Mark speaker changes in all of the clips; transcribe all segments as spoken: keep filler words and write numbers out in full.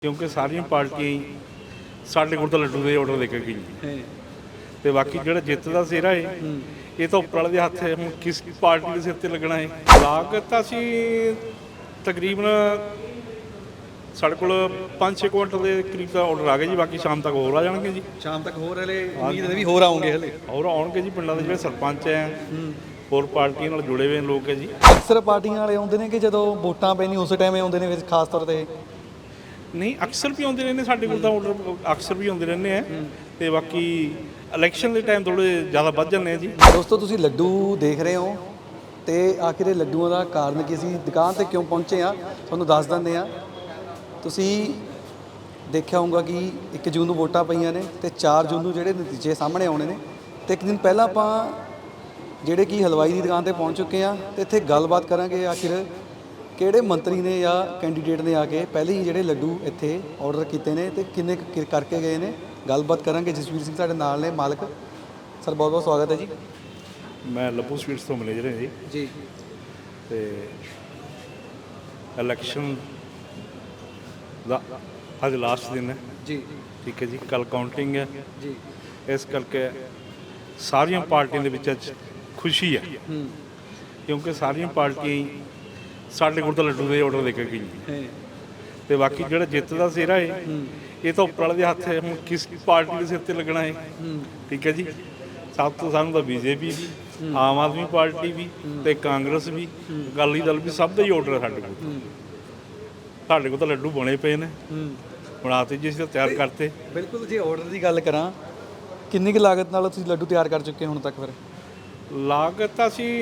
Speaker 1: ਕਿਉਂਕਿ ਸਾਰੀਆਂ ਪਾਰਟੀਆਂ ਹੀ ਸਾਡੇ ਕੋਲ ਤਾਂ ਲੱਡੂ ਦੇ ਆਰਡਰ ਦੇ ਕੇ ਗਈ ਤੇ ਬਾਕੀ ਜਿਹੜਾ ਜਿੱਤ ਦਾ ਸਿਹਰਾ ਹੈ ਇਹ ਤਾਂ ਉੱਪਰ ਵਾਲੇ ਦੇ ਹੱਥ ਹੈ। ਹੁਣ ਕਿਸ ਪਾਰਟੀ ਦੇ ਸਿਰ ਤੇ ਲੱਗਣਾ ਹੈ। ਲਾਗਤ ਤਾਂ ਅਸੀਂ ਤਕਰੀਬਨ ਸਾਡੇ ਕੋਲ ਪੰਜ ਛੇ ਕੁਇੰਟਲ ਦੇ ਕਰੀਬ ਦਾ ਆਰਡਰ ਆ ਗਿਆ ਜੀ। ਬਾਕੀ ਸ਼ਾਮ ਤੱਕ ਹੋਰ ਆ ਜਾਣਗੇ ਜੀ।
Speaker 2: ਸ਼ਾਮ ਤੱਕ ਹੋਰ ਹਲੇ ਉਮੀਦ ਹੈ ਵੀ ਹੋਰ ਆਉਂਗੇ ਹਲੇ
Speaker 1: ਹੋਰ ਆਉਣਗੇ ਜੀ। ਪਿੰਡਾਂ ਦੇ ਜਿਹੜੇ ਸਰਪੰਚ ਹੈ ਹੋਰ ਪਾਰਟੀਆਂ ਨਾਲ ਜੁੜੇ ਹੋਏ ਲੋਕ ਹੈ ਜੀ।
Speaker 2: ਅਕਸਰ ਪਾਰਟੀਆਂ ਵਾਲੇ ਆਉਂਦੇ ਨੇ ਕਿ ਜਦੋਂ ਵੋਟਾਂ ਪੈਣੀ ਉਸ ਟਾਈਮ ਆਉਂਦੇ ਨੇ ਫਿਰ ਖਾਸ ਤੌਰ ਤੇ
Speaker 1: ਨਹੀਂ ਅਕਸਰ ਵੀ ਆਉਂਦੇ ਰਹਿੰਦੇ ਸਾਡੇ ਕੋਲ ਤਾਂ ਆਰਡਰ ਅਕਸਰ ਵੀ ਆਉਂਦੇ ਰਹਿੰਦੇ ਆ ਤੇ ਬਾਕੀ ਇਲੈਕਸ਼ਨ ਦੇ ਟਾਈਮ ਥੋੜੇ ਜ਼ਿਆਦਾ ਵੱਧ ਜਾਂਦੇ ਆ ਜੀ।
Speaker 2: ਦੋਸਤੋ ਤੁਸੀਂ ਲੱਡੂ ਦੇਖ ਰਹੇ ਹੋ ਤੇ ਆਖਿਰ ਇਹ ਲੱਡੂਆਂ ਦਾ ਕਾਰਨ ਕੀ ਸੀ, ਦੁਕਾਨ ਤੇ ਕਿਉਂ ਪਹੁੰਚੇ ਆ ਤੁਹਾਨੂੰ ਦੱਸ ਦਿੰਦੇ ਆ। ਤੁਸੀਂ ਦੇਖਿਆ ਹੋਊਗਾ ਕਿ ਇੱਕ ਜੂਨ ਨੂੰ ਵੋਟਾਂ ਪਈਆਂ ਨੇ ਤੇ ਚਾਰ ਜੂਨ ਨੂੰ ਜਿਹੜੇ ਨਤੀਜੇ ਸਾਹਮਣੇ ਆਉਣੇ ਨੇ ਤੇ ਇੱਕ ਦਿਨ ਪਹਿਲਾਂ ਆਪਾਂ ਜਿਹੜੇ ਕਿ ਹਲਵਾਈ ਦੀ ਦੁਕਾਨ ਤੇ ਪਹੁੰਚ ਚੁੱਕੇ ਆ ਤੇ ਇੱਥੇ ਗੱਲਬਾਤ ਕਰਾਂਗੇ ਆਖਿਰ ਕਿਹੜੇ ਮੰਤਰੀ ਨੇ ਜਾਂ ਕੈਂਡੀਡੇਟ ਨੇ ਆ ਕੇ ਪਹਿਲੇ ਹੀ ਜਿਹੜੇ ਲੱਡੂ ਇੱਥੇ ਆਰਡਰ ਕੀਤੇ ਨੇ ਤੇ ਕਿੰਨੇ ਕੁ ਕਰਕੇ ਗਏ ਨੇ। ਗੱਲਬਾਤ ਕਰਾਂਗੇ। ਜਸਵੀਰ ਸਿੰਘ ਸਾਡੇ ਨਾਲ ਨੇ ਮਾਲਕ। ਸਰ ਬਹੁਤ ਬਹੁਤ ਸਵਾਗਤ ਹੈ ਜੀ।
Speaker 1: ਮੈਂ ਲੱਭੂ ਸਵੀਟਸ ਤੋਂ ਮੈਨੇਜਰ ਹਾਂ ਜੀ
Speaker 2: ਜੀ
Speaker 1: ਤੇ ਇਲੈਕਸ਼ਨ ਦਾ ਅੱਜ ਲਾਸਟ ਦਿਨ ਹੈ
Speaker 2: ਜੀ
Speaker 1: ਠੀਕ ਹੈ ਜੀ। ਕੱਲ ਕਾਊਂਟਿੰਗ ਹੈ
Speaker 2: ਜੀ
Speaker 1: ਇਸ ਕਰਕੇ ਸਾਰੀਆਂ ਪਾਰਟੀਆਂ ਦੇ ਵਿੱਚ ਅੱਜ ਖੁਸ਼ੀ ਹੈ ਕਿਉਂਕਿ ਸਾਰੀਆਂ ਪਾਰਟੀਆਂ ਹੀ ਸਾਡੇ ਕੋਲ ਤਾਂ ਲੱਡੂ ਦੇ ਆਰਡਰ ਦੇ ਕੇ ਗਈ ਤੇ ਬਾਕੀ ਜਿਹੜਾ ਜਿੱਤ ਦਾ ਸਿਹਰਾ ਹੈ ਇਹ ਤਾਂ ਉੱਪਰ ਵਾਲੇ ਦੇ ਹੱਥ ਹੈ। ਹੁਣ ਕਿਸ ਪਾਰਟੀ ਦੇ ਸਿਰ ਤੇ ਲੱਗਣਾ ਹੈ ਠੀਕ ਹੈ ਜੀ। ਸਭ ਤੋਂ ਸਾਨੂੰ ਤਾਂ ਬੀਜੇਪੀ ਵੀ ਆਮ ਆਦਮੀ ਪਾਰਟੀ ਵੀ ਤੇ ਕਾਂਗਰਸ ਵੀ ਅਕਾਲੀ ਦਲ ਵੀ ਸਭ ਦਾ ਹੀ ਆਰਡਰ ਹੈ ਸਾਡੇ ਕੋਲ। ਸਾਡੇ ਕੋਲ ਤਾਂ ਲੱਡੂ ਬਣੇ ਪਏ ਨੇ ਬਣਾਤੇ ਜੀ ਅਸੀਂ ਤਾਂ ਤਿਆਰ ਕਰਤੇ।
Speaker 2: ਬਿਲਕੁਲ। ਜੇ ਆਰਡਰ ਦੀ ਗੱਲ ਕਰਾਂ ਕਿੰਨੀ ਕੁ ਲਾਗਤ ਨਾਲ ਤੁਸੀਂ ਲੱਡੂ ਤਿਆਰ ਕਰ ਚੁੱਕੇ ਹੁਣ ਤੱਕ? ਫਿਰ
Speaker 1: ਲਾਗਤ ਤਾਂ ਅਸੀਂ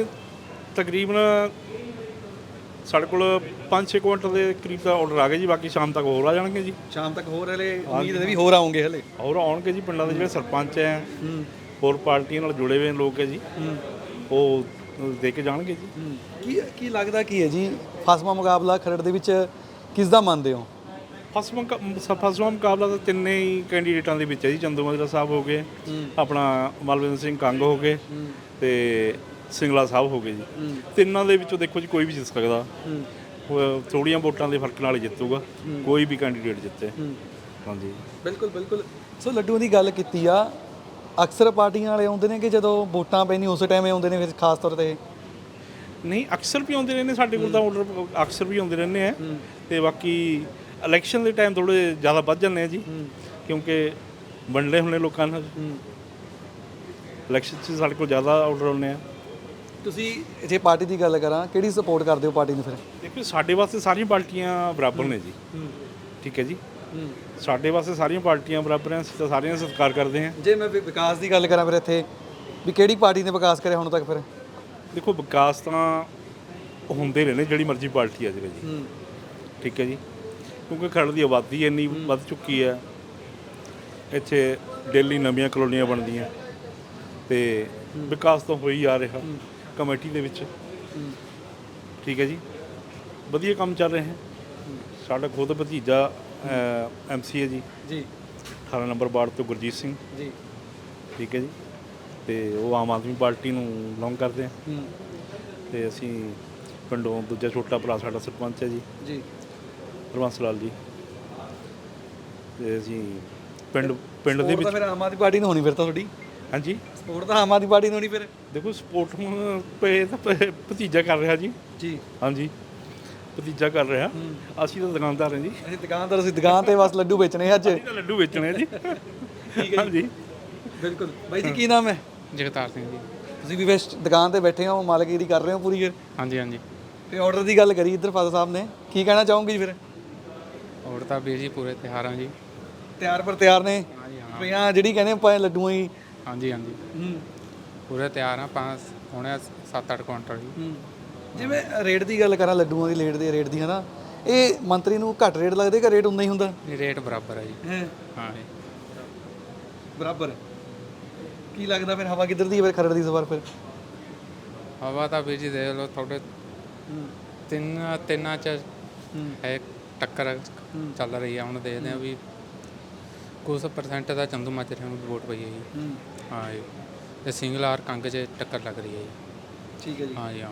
Speaker 1: ਤਕਰੀਬਨ ਸਾਡੇ ਕੋਲ ਪੰਜ ਛੇ ਕੁਇੰਟਲ ਦੇ ਕਰੀਬ ਦਾ ਆਰਡਰ ਆ ਗਿਆ ਜੀ। ਬਾਕੀ ਸ਼ਾਮ ਤੱਕ ਹੋਰ ਆ ਜਾਣਗੇ ਜੀ।
Speaker 2: ਸ਼ਾਮ ਤੱਕ ਹੋਰ ਹਲੇ ਉਮੀਦ ਹੈ ਵੀ ਹੋਰ ਆਉਂਗੇ ਹਲੇ
Speaker 1: ਹੋਰ ਆਉਣਗੇ ਜੀ। ਪਿੰਡਾਂ ਦੇ ਜਿਹੜੇ ਸਰਪੰਚ ਹੈ ਹੋਰ ਪਾਰਟੀਆਂ ਨਾਲ ਜੁੜੇ ਹੋਏ ਲੋਕ ਹੈ ਜੀ ਉਹ ਦੇ ਕੇ ਜਾਣਗੇ ਜੀ।
Speaker 2: ਕੀ ਕੀ ਲੱਗਦਾ ਕੀ ਹੈ ਜੀ ਫਸਵਾ ਮੁਕਾਬਲਾ ਖਰੜ ਦੇ ਵਿੱਚ ਕਿਸ ਦਾ ਮੰਨਦੇ ਹੋ?
Speaker 1: ਫਸਵਾਂ ਫਸਵਾਂ ਮੁਕਾਬਲਾ ਤਾਂ ਤਿੰਨੇ ਹੀ ਕੈਂਡੀਡੇਟਾਂ ਦੇ ਵਿੱਚ ਹੈ ਜੀ। ਚੰਦੂਮਾਜਰਾ ਸਾਹਿਬ ਹੋ ਗਏ, ਆਪਣਾ ਮਲਵਿੰਦਰ ਸਿੰਘ ਕੰਗ ਹੋ ਗਏ ਤੇ ਸਿੰਗਲਾ ਸਾਹਿਬ ਹੋ ਗਏ ਜੀ। ਤਿੰਨਾਂ ਦੇ ਵਿੱਚੋਂ ਦੇਖੋ ਜੀ ਕੋਈ ਵੀ ਜਿੱਤ ਸਕਦਾ। ਥੋੜ੍ਹੀਆਂ ਵੋਟਾਂ ਦੇ ਫਰਕ ਨਾਲ ਹੀ ਜਿੱਤੂਗਾ ਕੋਈ ਵੀ ਕੈਂਡੀਡੇਟ ਜਿੱਤੇ। ਹਾਂਜੀ
Speaker 2: ਬਿਲਕੁਲ ਬਿਲਕੁਲ। ਸੋ ਲੱਡੂਆਂ ਦੀ ਗੱਲ ਕੀਤੀ ਆ ਅਕਸਰ ਪਾਰਟੀਆਂ ਵਾਲੇ ਆਉਂਦੇ ਨੇ ਕਿ ਜਦੋਂ ਵੋਟਾਂ ਪੈਣੀ ਉਸ ਟਾਈਮ ਆਉਂਦੇ ਨੇ ਫਿਰ ਖਾਸ ਤੌਰ ਤੇ
Speaker 1: ਨਹੀਂ ਅਕਸਰ ਵੀ ਆਉਂਦੇ ਰਹਿੰਦੇ ਸਾਡੇ ਕੋਲ ਤਾਂ ਆਰਡਰ ਅਕਸਰ ਵੀ ਆਉਂਦੇ ਰਹਿੰਦੇ ਆ ਤੇ ਬਾਕੀ ਇਲੈਕਸ਼ਨ ਦੇ ਟਾਈਮ ਥੋੜੇ ਜ਼ਿਆਦਾ ਵੱਧ ਜਾਂਦੇ ਆ ਜੀ ਕਿਉਂਕਿ ਵੰਡੇ ਹੁੰਦੇ ਲੋਕਾਂ ਨਾਲ ਇਲੈਕਸ਼ਨ 'ਚ ਸਾਡੇ ਕੋਲ ਜ਼ਿਆਦਾ ਆਰਡਰ ਆਉਂਦੇ ਆ।
Speaker 2: ਤੁਸੀਂ ਜੇ ਪਾਰਟੀ ਦੀ ਗੱਲ ਕਰਾਂ ਕਿਹੜੀ ਸਪੋਰਟ ਕਰਦੇ ਹੋ ਪਾਰਟੀ ਨੂੰ? ਫਿਰ
Speaker 1: ਦੇਖੋ ਸਾਡੇ ਵਾਸਤੇ ਸਾਰੀਆਂ ਪਾਰਟੀਆਂ ਬਰਾਬਰ ਨੇ ਜੀ ਠੀਕ ਹੈ ਜੀ। ਸਾਡੇ ਵਾਸਤੇ ਸਾਰੀਆਂ ਪਾਰਟੀਆਂ ਬਰਾਬਰ ਹੈ। ਅਸੀਂ ਤਾਂ ਸਾਰਿਆਂ ਦਾ ਸਤਿਕਾਰ ਕਰਦੇ ਹਾਂ।
Speaker 2: ਜੇ ਮੈਂ ਵਿਕਾਸ ਦੀ ਗੱਲ ਕਰਾਂ ਫਿਰ ਇੱਥੇ ਵੀ ਕਿਹੜੀ ਪਾਰਟੀ ਨੇ ਵਿਕਾਸ ਕਰਿਆ ਹੁਣ ਤੱਕ? ਫਿਰ
Speaker 1: ਦੇਖੋ ਵਿਕਾਸ ਤਾਂ ਹੁੰਦੇ ਰਹੇ ਨੇ ਜਿਹੜੀ ਮਰਜ਼ੀ ਪਾਰਟੀ ਆ ਜਾਵੇ ਜੀ ਠੀਕ ਹੈ ਜੀ। ਕਿਉਂਕਿ ਖਰੜ ਦੀ ਆਬਾਦੀ ਇੰਨੀ ਵੱਧ ਚੁੱਕੀ ਹੈ ਇੱਥੇ ਡੇਲੀ ਨਵੀਆਂ ਕਲੋਨੀਆਂ ਬਣਦੀਆਂ ਤੇ ਵਿਕਾਸ ਤਾਂ ਹੋ ਹੀ ਆ ਰਿਹਾ ਕਮੇਟੀ ਦੇ ਵਿੱਚ ਠੀਕ ਹੈ ਜੀ। ਵਧੀਆ ਕੰਮ ਚੱਲ ਰਿਹਾ ਹੈ। ਸਾਡਾ ਖੁਦ ਭਤੀਜਾ ਐਮ ਸੀ ਹੈ ਜੀ
Speaker 2: ਜੀ
Speaker 1: ਅਠਾਰਾਂ ਨੰਬਰ ਵਾਰਡ ਤੋਂ ਗੁਰਜੀਤ ਸਿੰਘ
Speaker 2: ਜੀ
Speaker 1: ਠੀਕ ਹੈ ਜੀ ਤੇ ਉਹ ਆਮ ਆਦਮੀ ਪਾਰਟੀ ਨੂੰ ਬਿਲੋਂਗ ਕਰਦੇ ਆ ਤੇ ਅਸੀਂ ਪਿੰਡੋਂ ਦੂਜਾ ਛੋਟਾ ਭਰਾ ਸਾਡਾ ਸਰਪੰਚ ਹੈ ਜੀ
Speaker 2: ਜੀ
Speaker 1: ਹਰਬੰਸ ਲਾਲ ਜੀ ਤੇ ਅਸੀਂ ਪਿੰਡ ਪਿੰਡ ਦੇ ਵਿੱਚ
Speaker 2: ਫਿਰ ਆਮ ਆਦਮੀ ਪਾਰਟੀ ਨੂੰ ਹੋਣੀ ਫਿਰ ਤਾਂ ਤੁਹਾਡੀ?
Speaker 1: ਹਾਂਜੀ
Speaker 2: ਸਪੋਰਟ ਤਾਂ ਆਮ ਆਦਮੀ ਪਾਰਟੀ ਨੂੰ ਹੋਣੀ ਫਿਰ?
Speaker 1: ਦੇਖੋ ਸਪੋਰਟ ਹੁਣ ਪਏ ਤਾਂ ਭ- ਭਤੀਜਾ ਕਰ ਰਿਹਾ ਜੀ
Speaker 2: ਜੀ
Speaker 1: ਹਾਂਜੀ ਭਤੀਜਾ ਕਰ ਰਿਹਾ। ਅਸੀਂ ਤਾਂ ਦੁਕਾਨਦਾਰ ਹਾਂ ਜੀ।
Speaker 2: ਅਸੀਂ ਦੁਕਾਨਦਾਰ ਅਸੀਂ ਦੁਕਾਨ ਤੇ ਬਸ ਲੱਡੂ ਵੇਚਣੇ ਅੱਜ।
Speaker 1: ਅਸੀਂ ਤਾਂ ਲੱਡੂ ਵੇਚਣੇ ਆ ਜੀ
Speaker 2: ਠੀਕ ਹੈ
Speaker 1: ਹਾਂਜੀ
Speaker 2: ਬਿਲਕੁਲ। ਬਾਈ ਜੀ ਕੀ ਨਾਮ ਹੈ?
Speaker 3: ਜਗਤਾਰ ਸਿੰਘ ਜੀ।
Speaker 2: ਤੁਸੀਂ ਵੀ ਵੈਸਟ ਦੁਕਾਨ ਤੇ ਬੈਠੇ ਹੋ ਮਾਲਕਗਿਰੀ ਕਰ ਰਹੇ ਹੋ ਪੂਰੀ? ਫਿਰ
Speaker 3: ਹਾਂਜੀ ਹਾਂਜੀ
Speaker 2: ਤੇ ਆਰਡਰ ਦੀ ਗੱਲ ਕਰੀ ਇੱਧਰ ਫਾਦਰ ਸਾਹਿਬ ਨੇ ਕੀ ਕਹਿਣਾ ਚਾਹੋਗੇ ਜੀ? ਫਿਰ
Speaker 3: ਹੋਰ ਤਾਂ ਵੀਰ ਜੀ ਪੂਰੇ ਤਿਉਹਾਰਾਂ ਜੀ।
Speaker 2: ਤਿਆਰ ਪਰ ਤਿਆਰ ਨੇ
Speaker 3: ਹਾਂਜੀ ਹਾਂ
Speaker 2: ਪਿਆ ਜਿਹੜੀ ਕਹਿੰਦੇ ਆਪਾਂ ਲੱਡੂਆਂ ਹੀ
Speaker 3: ਹਾਂਜੀ ਹਾਂਜੀ ਪੂਰੇ ਤਿਆਰ ਆ। ਪੰਜ ਹੋਣੇ ਸੱਤ ਅੱਠ ਕੁਇੰਟਲ ਜੀ।
Speaker 2: ਜਿਵੇਂ ਰੇਟ ਦੀ ਗੱਲ ਕਰਾਂ ਲੱਡੂਆਂ ਦੀ ਲੇਟ ਦੇ ਰੇਟ ਦੀ ਹਨਾ ਇਹ ਮੰਤਰੀ ਨੂੰ ਘੱਟ ਰੇਟ ਲੱਗਦੇ ਕਿ ਰੇਟ ਉਨਾ ਹੀ ਹੁੰਦਾ?
Speaker 3: ਇਹ ਰੇਟ ਬਰਾਬਰ ਹੈ ਜੀ। ਹਾਂ ਜੀ
Speaker 2: ਬਰਾਬਰ। ਕੀ ਲੱਗਦਾ ਫਿਰ ਹਵਾ ਕਿੱਧਰ ਦੀ ਹੈ ਫਿਰ ਖਰੜ ਦੀ ਇਸ ਵਾਰ? ਫਿਰ
Speaker 3: ਹਵਾ ਤਾਂ ਵੀਰ ਜੀ ਦੇਖ ਲਓ ਤੁਹਾਡੇ ਤਿੰਨ ਤਿੰਨਾਂ 'ਚ ਹੈ ਟੱਕਰ ਚੱਲ ਰਹੀ ਆ। ਹੁਣ ਦੇਖਦੇ ਆ ਵੀ ਕੁਛ ਪਰਸੈਂਟ ਦਾ ਚੰਦੂਮਾਜਰੇ ਨੂੰ ਵੋਟ ਪਈ ਹੈ ਜੀ। ਹਾਂ ਜੀ ਤੇ ਸਿੰਗਲ ਆਰ ਕੰਗ 'ਚ ਟੱਕਰ ਲੱਗ ਰਹੀ ਹੈ ਜੀ।
Speaker 2: ਠੀਕ ਹੈ ਜੀ।
Speaker 3: ਹਾਂ ਜੀ ਹਾਂ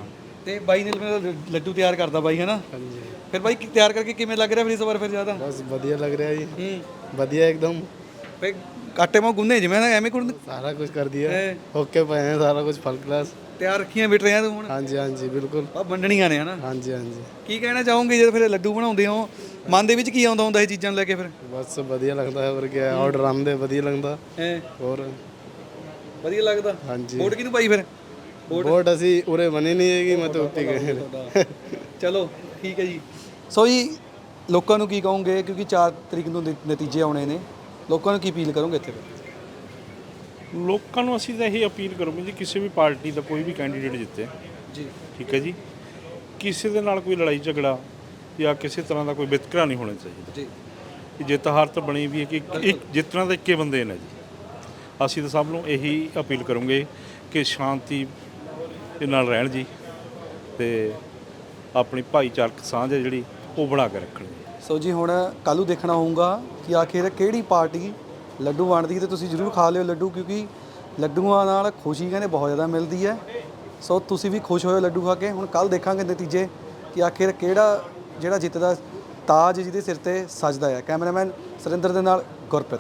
Speaker 2: ਤੇ ਬਾਈ ਨੇ ਮੇਰਾ ਲੱਡੂ ਤਿਆਰ ਕਰਦਾ ਬਾਈ ਹੈ ਨਾ
Speaker 4: ਹਾਂਜੀ
Speaker 2: ਫਿਰ ਬਾਈ ਕੀ- ਤਿਆਰ ਕਰਕੇ ਕਿਵੇਂ ਲੱਗ ਰਿਹਾ ਫਿਰ ਇਸ ਵਾਰ ਫਿਰ ਜ਼ਿਆਦਾ
Speaker 4: ਬਸ ਵਧੀਆ ਲੱਗ ਰਿਹਾ ਜੀ
Speaker 2: ਹੂੰ
Speaker 4: ਵਧੀਆ ਇੱਕਦਮ
Speaker 2: ਫਿਰ ਆਟੇ ਮਾ ਗੁੰਨੇ ਜਿਵੇਂ ਨਾ ਐਵੇਂ ਗੁੰਨ
Speaker 4: ਸਾਰਾ ਕੁਝ ਕਰ ਦਿਆ
Speaker 2: ਹੈ।
Speaker 4: ਓਕੇ ਪਏ हैं सारा कुछ फर्स्ट क्लास
Speaker 2: ਤਿਆਰ ਰੱਖੀਆਂ ਬਿਟ ਰਿਆਂ ਤੂੰ ਹੁਣ
Speaker 4: हाँ जी हाँ जी बिल्कुल
Speaker 2: ਆ ਵੰਡਣੀਆਂ ਨੇ ਹਨਾ
Speaker 4: हाँ जी हाँ जी
Speaker 2: ਕੀ ਕਹਿਣਾ ਚਾਹੋਗੇ ਜਦ ਫਿਰ ਲੱਡੂ ਬਣਾਉਂਦੇ ਹੋ ਮਨ ਦੇ ਵਿੱਚ ਕੀ ਆਉਂਦਾ ਹੁੰਦਾ ਇਹ ਚੀਜ਼ਾਂ ਨੂੰ ਲੈ ਕੇ ਫਿਰ
Speaker 4: बस ਵਧੀਆ ਲੱਗਦਾ ਹੈ ਹੋਰ ਕੀ ਆਰਡਰ ਆਉਂਦੇ ਵਧੀਆ ਲੱਗਦਾ
Speaker 2: ਹੈ
Speaker 4: ਹੋਰ
Speaker 2: ਵਧੀਆ ਲੱਗਦਾ
Speaker 4: हाँ जी
Speaker 2: ਵੋਟ ਕਿਹਨੂੰ ਪਾਈ ਫਿਰ
Speaker 4: ਵੋਟ ਅਸੀਂ ਉਰੇ ਬਣੀ ਨਹੀਂ ਹੈਗੀ ਮੈਂ ਤਾਂ ਉੱਤੇ ਗਏ
Speaker 2: ਚਲੋ ਠੀਕ ਹੈ ਜੀ ਸੋ ਜੀ ਲੋਕਾਂ ਨੂੰ ਕੀ ਕਹੋਗੇ ਕਿਉਂਕਿ ਚਾਰ ਤਰੀਕ ਨੂੰ ਨ- ਨਤੀਜੇ ਆਉਣੇ ਨੇ ਲੋਕਾਂ ਨੂੰ ਕੀ ਅਪੀਲ ਕਰੋਗੇ ਇੱਥੇ ਫਿਰ?
Speaker 1: ਲੋਕਾਂ ਨੂੰ ਅਸੀਂ ਤਾਂ ਇਹ ਅਪੀਲ ਕਰੂੰਗੇ ਜੀ ਕਿਸੇ ਵੀ ਪਾਰਟੀ ਦਾ ਕੋਈ ਵੀ ਕੈਂਡੀਡੇਟ ਜਿੱਤੇ
Speaker 2: ਜੀ
Speaker 1: ਠੀਕ ਹੈ ਜੀ ਕਿਸੇ ਦੇ ਨਾਲ ਕੋਈ ਲੜਾਈ ਝਗੜਾ ਜਾਂ ਕਿਸੇ ਤਰ੍ਹਾਂ ਦਾ ਕੋਈ ਵਿਤਕਰਾ ਨਹੀਂ ਹੋਣਾ ਚਾਹੀਦਾ
Speaker 2: ਜੀ
Speaker 1: ਕਿ ਜਿੱਤ ਹਾਰ ਤਾਂ ਬਣੀ ਵੀ ਹੈ ਕਿ ਇੱਕ- ਇੱਕ ਜਿੱਤਣਾ ਤਾਂ ਇੱਕੇ ਬੰਦੇ ਨੇ ਜੀ ਅਸੀਂ ਤਾਂ ਸਭ ਨੂੰ ਇਹੀ ਅਪੀਲ ਕਰੂੰਗੇ ਕਿ ਸ਼ਾਂਤੀ ਦੇ ਨਾਲ ਰਹਿਣ ਜੀ ਤੇ ਆਪਣੀ ਭਾਈਚਾਰਕ ਸਾਂਝ ਹੈ ਜਿਹੜੀ ਉਹ ਬਣਾ ਕੇ ਰੱਖਣ ਜੀ
Speaker 2: ਸੋ ਜੀ ਹੁਣ ਕੱਲ੍ਹ ਨੂੰ ਦੇਖਣਾ ਹੋਊਗਾ ਕਿ ਆਖਿਰ ਕਿਹੜੀ ਪਾਰਟੀ ਲੱਡੂ ਵੰਡਦੀ ਹੈ ਤੇ ਤੁਸੀਂ ਜ਼ਰੂਰ ਖਾ ਲਿਓ ਲੱਡੂ ਕਿਉਂਕਿ ਲੱਡੂਆਂ ਨਾਲ ਖੁਸ਼ੀ ਕਹਿੰਦੇ ਬਹੁਤ ਜ਼ਿਆਦਾ ਮਿਲਦੀ ਹੈ ਸੋ ਤੁਸੀਂ ਵੀ ਖੁਸ਼ ਹੋਇਓ ਲੱਡੂ ਖਾ ਕੇ ਹੁਣ ਕੱਲ੍ਹ ਦੇਖਾਂਗੇ ਨਤੀਜੇ ਕਿ ਆਖਿਰ ਕਿਹੜਾ ਜਿਹੜਾ ਜਿੱਤਦਾ ਤਾਜ ਜਿਹਦੇ ਸਿਰ ਤੇ ਸਜਦਾ ਹੈ ਕੈਮਰਾਮੈਨ ਸੁਰਿੰਦਰ ਦੇ ਨਾਲ ਗੁਰਪ੍ਰੀਤ